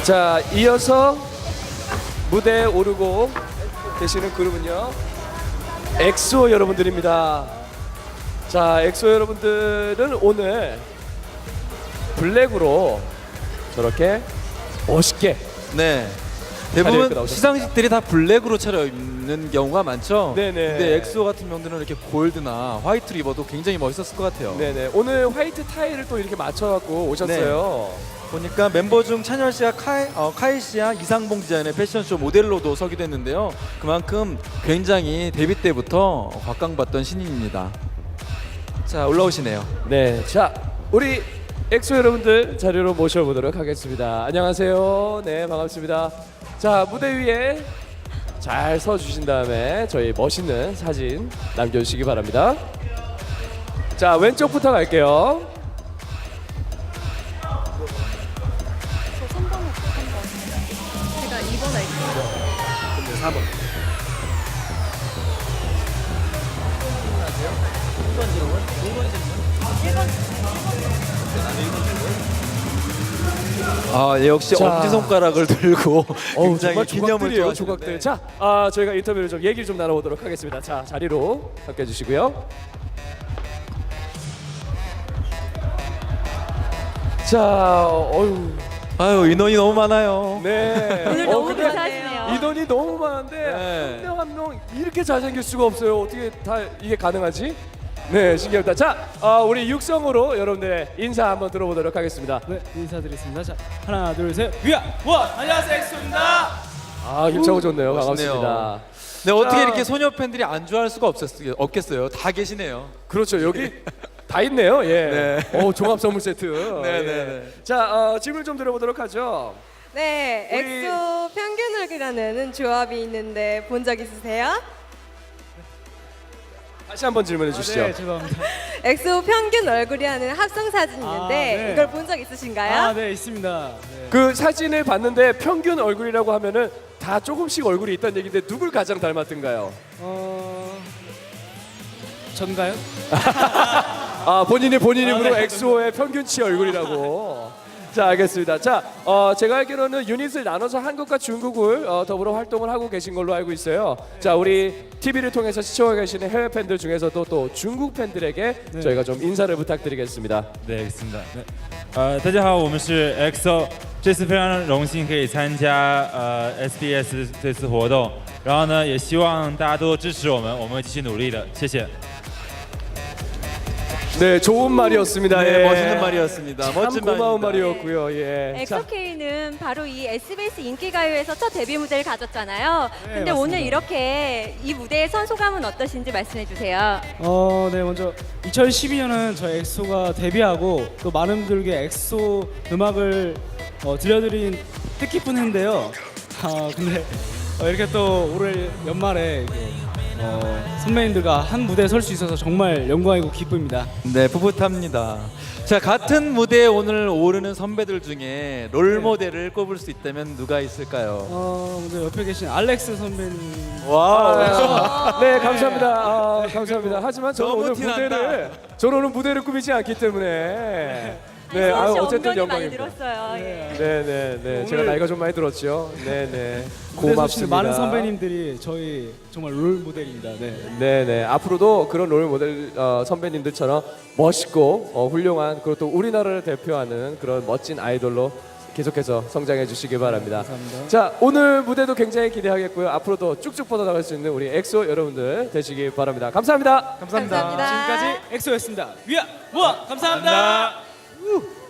자, 이어서 무대에 오르고 계시는 그룹은요, 엑소 여러분들입니다. 자, 엑소 여러분들은 오늘 블랙으로 저렇게 멋있게 네. 차려입고 대부분 나오셨습니다. 시상식들이 다 블랙으로 차려입는 경우가 많죠. 네네. 근데 엑소 같은 경우는 이렇게 골드나 화이트를 입어도 굉장히 멋있었을 것 같아요. 네네, 오늘 화이트 타이를 또 이렇게 맞춰갖고 오셨어요. 보니까 mem버 중 찬열 씨와 카이 씨와 이상봉 디자인의 패션쇼 모델로도 서기도 했는데요. 그만큼 굉장히 데뷔 때부터 곽강받던 신인입니다. 자, 올라오시네요. 네, 자, 우리 엑소 여러분들 자리로 모셔보도록 하겠습니다. 안녕하세요. 네, 반갑습니다. 자, 무대 위에 잘 서주신 다음에 저희 멋있는 사진 남겨주시기 바랍니다. 자, 왼쪽부터 갈게요. 저 3번 할게요. 3번. 제가 2번 할게요. 근데 4번. 아, 예, 역시 자. 엄지손가락을 들고 굉장히 정말 기념을 조각들이에요, 좋아하시는데. 조각들. 자, 저희가 인터뷰를 좀 얘기를 좀 나눠보도록 하겠습니다. 자, 자리로 바뀌어주시고요. 자, 어유, 아유, 인원이 너무 많아요. 네. 오늘 너무 근데 감사하시네요. 인원이 너무 많은데 네. 한 명 한 명 이렇게 잘생길 수가 없어요. 어떻게 다 이게 가능하지? 네, 신기합니다. 자, 우리 육성으로 여러분들의 인사 한번 들어보도록 하겠습니다. 네, 인사드리겠습니다. 자, 하나, 둘, 셋, 위아, 원! 안녕하세요, 엑소입니다. 아, 힘차고 좋네요. 멋있네요. 반갑습니다. 네, 어떻게 자. 이렇게 소녀 팬들이 안 좋아할 수가 없겠어요. 다 계시네요. 그렇죠. 여기 다 있네요. 예. 네. 종합 선물 세트. 네, 예. 네, 네. 자, 질문 좀 들어보도록 하죠. 네, 우리- 엑소 평균을이라는 조합이 있는데 본 적 있으세요? 다시 한번 질문해 주시죠. 네, 죄송합니다. 엑소 평균 얼굴이라는 합성 사진이 있는데 네. 이걸 본 적 있으신가요? 아, 네, 있습니다. 네. 그 사진을 봤는데 평균 얼굴이라고 하면은 다 조금씩 얼굴이 있다는 얘기인데 누굴 가장 닮았던가요? 전가요? 본인이 입으로 네. 엑소의 평균치 얼굴이라고. 자, 알겠습니다. 자, 제가 알기로는 유닛을 나눠서 한국과 중국을 더불어 활동을 하고 계신 걸로 알고 있어요. 자, 우리 TV를 통해서 시청하고 계시는 해외 팬들 중에서도 또 중국 팬들에게 저희가 좀 인사를 부탁드리겠습니다. 对，是的。大家好，我们是 EXO，这次非常荣幸可以参加SBS 这次活动，然后呢，也希望大家多多支持我们，我们会继续努力的，谢谢。 네, 좋은 말이었습니다. 네, 예. 멋있는 말이었습니다. 참 멋진 고마운 말입니다. 말이었고요. 예. 자, 엑소케이는 바로 이 SBS 인기가요에서 첫 데뷔 무대를 가졌잖아요. 근데 맞습니다. 오늘 이렇게 이 무대의 선소감은 어떠신지 말씀해 주세요. 네, 먼저 2012년은 저희 엑소가 데뷔하고 또 많은 분들께 엑소 음악을 들려드린 뜻깊은 해인데요. 근데 이렇게 또 올해 연말에 이렇게, 선배님들과 한 무대에 설 수 있어서 정말 영광이고 기쁩니다. 네, 뿌듯합니다. 자, 같은 무대에 오늘 오르는 선배들 중에 롤 모델을 꼽을 수 있다면 누가 있을까요? 먼저 옆에 계신 알렉스 선배님. 와우. 네, 감사합니다. 감사합니다. 하지만 저는 너무 오늘 티난다. 무대를 꾸미지 않기 때문에 네, 엑소 씨 어쨌든 엉덩이 많이 영광입니다. 들었어요. 예. 네. 제가 나이가 좀 많이 들었죠. 네. 무대에 서시는 고맙습니다. 많은 선배님들이 저희 정말 롤 모델입니다. 네. 네. 앞으로도 그런 롤 모델 선배님들처럼 멋있고 훌륭한, 그리고 또 우리나라를 대표하는 그런 멋진 아이돌로 계속해서 성장해 주시기 바랍니다. 감사합니다. 자, 오늘 무대도 굉장히 기대하겠고요. 앞으로도 쭉쭉 뻗어나갈 수 있는 우리 엑소 여러분들 되시기 바랍니다. 감사합니다. 감사합니다. 감사합니다. 지금까지 엑소였습니다. 위아, 원! 감사합니다.